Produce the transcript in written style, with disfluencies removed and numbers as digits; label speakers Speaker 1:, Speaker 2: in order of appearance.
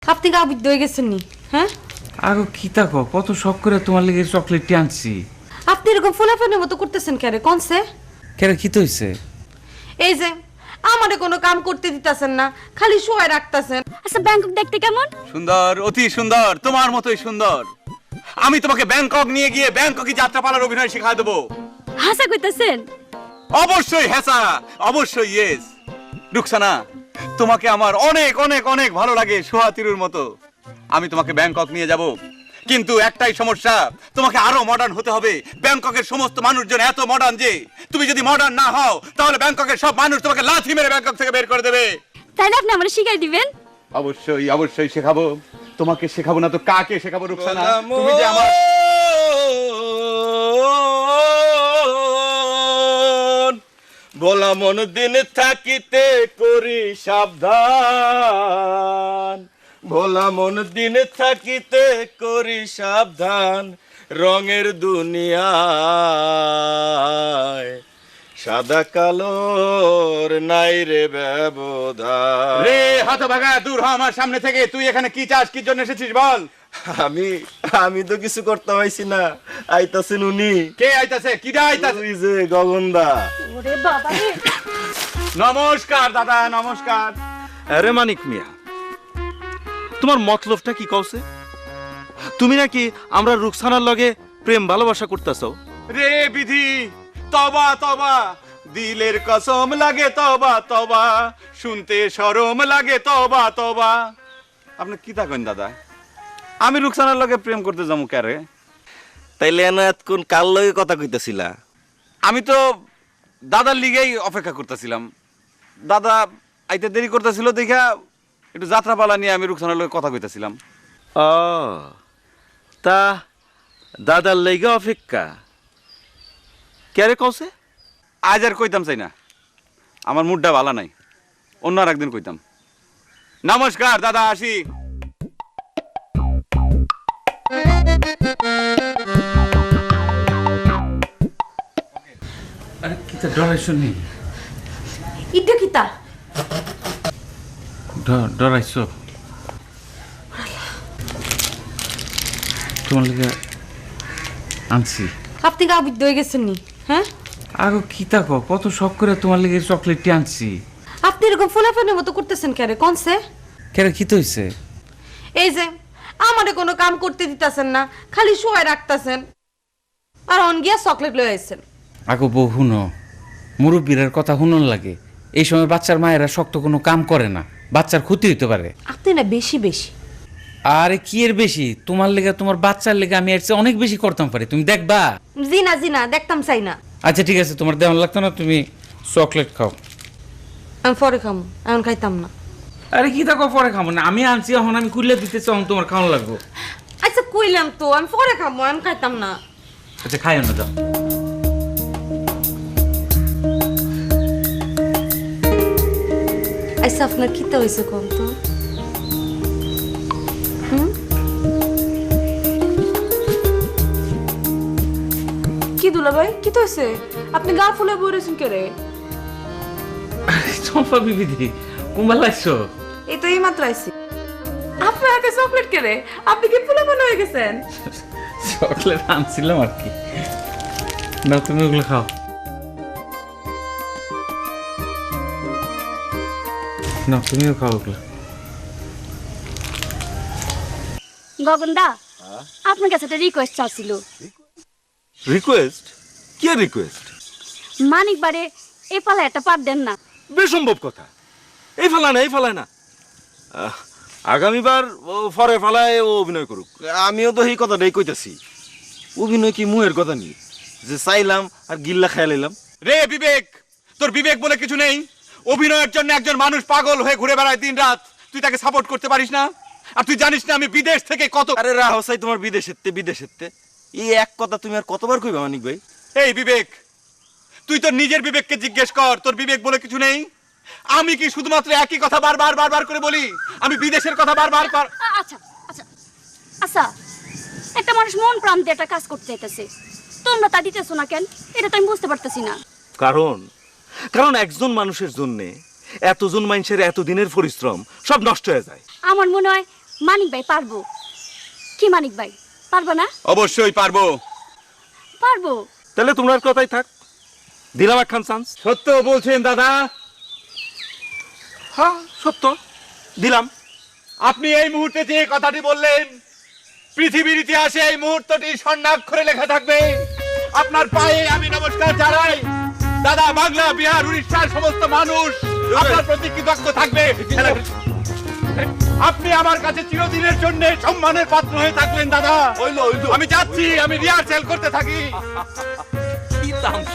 Speaker 1: আপনি গা বুদ্ধ হয়ে গেছেন নি? হ্যাঁ,
Speaker 2: আগো কি তাকো কত শখ করে তোমার লেগে চকলেটটি আনছি।
Speaker 1: আপনি এরকম ফোলাফানের মতো করতেছেন কেন? কনসে
Speaker 2: কেন কি তো হইছে?
Speaker 1: এই যে আমারে কোনো কাম করতে দিতাছেন না, খালি শুয়ে রাখতাছেন।
Speaker 3: আচ্ছা ব্যাংকক দেখতে কেমন?
Speaker 4: সুন্দর, অতি সুন্দর, তোমার মতোই সুন্দর। আমি তোমাকে ব্যাংকক নিয়ে গিয়ে ব্যাংককে যাত্রাপালার অভিনয় শেখায় দেবো।
Speaker 3: হাসা কইতাছেন?
Speaker 4: অবশ্যই হ্যাঁ, অবশ্যই ইয়েস। রুকসানা, তোমাকে আমার অনেক অনেক অনেক ভালো লাগে সোহাতিরুর মতো। আমি তোমাকে ব্যাংকক নিয়ে যাব, কিন্তু একটাই সমস্যা, তোমাকে আরো মডার্ন হতে হবে। ব্যাংককের সমস্ত মানুষজন এত মডার্ন যে তুমি যদি মডার্ন না হও তাহলে ব্যাংককের সব মানুষ তোমাকে লাথি মেরে ব্যাংকক থেকে বের করে দেবে।
Speaker 3: তাহলে আপনি আমারে শিখাই দিবেন?
Speaker 4: অবশ্যই অবশ্যই শেখাবো। তোমাকে শেখাবো না তো কাকে শেখাবো রুকসানা? তুমি যে আমার
Speaker 5: বলা মন দিন থাকিতে করি সাবধান, ভোলা মন দিন থাকিতে করি সাবধান, রঙের দুনিয়ায় সাদা কালোর নাই রে ব্যবধান।
Speaker 4: রে হতভাগা, দূর হ আমার সামনে থেকে। তুই এখানে কি চাস, কি জন্য এসেছিস বল?
Speaker 5: আমি তো কিছু করতে পারছি না, আইতাছেন উনি।
Speaker 4: কে আইতাছে? কি দা আইতাছে?
Speaker 5: ওই যে গগনদা।
Speaker 3: ওরে বাবা রে!
Speaker 4: নমস্কার দাদা, নমস্কার।
Speaker 6: আরে মানিক মিয়া, তোমার মতলবটা কি কওছে? তুমি নাকি আমরা রুকসানার লগে প্রেম ভালোবাসা করতেছ?
Speaker 4: রে বিধি, তবা তবা, দিলের কসম লাগে তবা তবা, শুনতে শরম লাগে তবা তবা। আপনি কি তা কইন দাদা? আমি রুকসানার লগে প্রেম করতে যাবো কারে?
Speaker 5: তাইলে এতক্ষণ কার লগে কথা কইতাছিলা?
Speaker 4: আমি তো দাদার লিগেই অপেক্ষা করতেছিলাম। দাদা আইতে দেরি করতেছিল দেখা একটু যাত্রাপালা নিয়ে আমি রুকসানার লগে কথা কইতেছিলাম।
Speaker 6: ও, তা দাদার লেগে অপেক্ষা কেরে কওছে?
Speaker 4: আজ আর কইতাম চাই না, আমার মুডটা ভালো নাই, অন্য আর একদিন কইতাম। নমস্কার দাদা, আসি।
Speaker 2: আরে কি তা ডরাইছো নি?
Speaker 1: ইটা কিতা?
Speaker 2: ডরাইছো? তোমার লেগে আনছি।
Speaker 1: আপনি গা বুদ্ধ হয়ে গেছেন নি? হ্যাঁ,
Speaker 2: আগো কি তাকো কত শখ করে তোমার লেগে চকলেটটি আনছি।
Speaker 1: আপনি এরকম ফোলাফানের মতো করতেছেন কেন? কনসে
Speaker 2: কেন কি তো হইছে?
Speaker 1: এই যে আমারে কোনো কাম করতে দিতাছেন না, খালি শুয়ে রাখতাছেন, আর অন গিয়া চকলেট লয়ে আইছেন।
Speaker 2: আগো বউ হুনো, মুরব্বীরার কথা হুনন লাগে। এই সময় বাচ্চার মায়েরা শক্ত কোনো কাম করে না, বাচ্চার ক্ষতি হইতে পারে।
Speaker 1: আপনি না বেশি বেশি।
Speaker 2: আরে কি এর বেশি? তোমার লেগে তোমার বাচ্চার লেগে আমি এর চেয়ে অনেক বেশি করতাম পারি, তুমি দেখবা।
Speaker 1: জি না দেখতাম চাই না।
Speaker 2: আচ্ছা ঠিক আছে, তোমার দেওয়ান লাগতো না, তুমি চকলেট খাও।
Speaker 1: আমি পরে খামো, এখন খাইতাম না।
Speaker 2: আরে কি দেখো পরে খাবো না, আমি আনছি এখন, আমি কুইলে দিতেছি, এখন তোমার খাওয়ানো লাগবো।
Speaker 1: আচ্ছা কইলাম তো আমি পরে খামো, আমি খাইতাম না।
Speaker 2: আচ্ছা খাইও না, যাও।
Speaker 1: আচ্ছা আপনার কিতা হয়েছে কোন তো?
Speaker 7: কি দুলা ভাই কি তো হয়েছে? আপনি গা ফুলে বই রয়েছেন কে রে?
Speaker 2: চম্পা বিবিধি কুম্বাল লাগছো?
Speaker 7: এই তো এই মাত্র আইসি। আপনার হাতে চকলেট কে রে? আপনি কি ফুলে মনে হয়ে গেছেন?
Speaker 2: চকলেট আনছিলাম আর কি। না তুমি ওগুলো খাও। না তুমিও খাও ওগুলো।
Speaker 3: গগনদা, আপনার কাছে একটা রিকোয়েস্ট চাচ্ছিল।
Speaker 6: রিকোয়েস্ট? কি রিকোয়েস্ট?
Speaker 3: মানিক বারে এ পালা একটা পার দেন না।
Speaker 6: বেসম্ভব কথা। এই ফালায় না। আগামীবার ও ফরে ফালায় ও অভিনয় করুক।
Speaker 5: আমিও তো এই কথাটাই কইতাছি। অভিনয় কি মুহের কথা নি যে চাইলাম আর গিল্লা খাইলাম?
Speaker 4: রে বিবেক, তোর বিবেক বলে কিছু নেই? অভিনয়ের জন্য একজন মানুষ পাগল হয়ে ঘুরে বেড়ায় দিন রাত, তুই তাকে সাপোর্ট করতে পারিস না? আর তুই জানিস না আমি বিদেশ থেকে কত।
Speaker 5: আরে রাহসাই তোমার বিদেশেতে এই এক কথা তুমি আর কতবার কইবা মানিক ভাই?
Speaker 4: এই বিবেক, তুই তোর নিজের বিবেককে জিজ্ঞেস কর, তোর বিবেক বলে কিছু নেই? আমি কি শুধুমাত্র একই কথা বারবার করে বলি? আমি বিদেশের কথা বারবার
Speaker 3: আচ্ছা আচ্ছা আচ্ছা, একটা মানুষ মন প্রাণ দিয়ে একটা কাজ করতে চাইতেছে, তোমরা তা দিতেছো না কেন? এটা তো আমি বুঝতে পারতেছি না।
Speaker 6: কারণ একজন মানুষের জন্য এতজন মানুষের এতদিনের পরিশ্রম সব নষ্ট হয়ে যায়।
Speaker 3: আমার মনে হয় মানিক ভাই পারবো। কি মানিক ভাই, পারবা না?
Speaker 4: অবশ্যই পারবো।
Speaker 3: পারবো।
Speaker 6: তাহলে তোমার কথাই থাক, দিলাম একখান চান্স।
Speaker 4: সত্য বলছেন দাদা?
Speaker 6: হ্যাঁ সত্য, দিলাম।
Speaker 4: আপনি এই মুহূর্তে যে কথাটি বললেন, পৃথিবীর ইতিহাসে এই মুহূর্তটি স্বর্ণাক্ষরে লেখা থাকবে। আপনার পায়ে আমি নমস্কার জানাই দাদা। বাংলা, বিহার, উড়িষ্যার সমস্ত মানুষ আপনার প্রতি কৃতজ্ঞ থাকবে। আপনি আমার কাছে চিরদিনের জন্য সম্মানের পাত্র হয়ে থাকলেন দাদা। আমি যাচ্ছি, আমি রিহার্সেল করতে থাকি।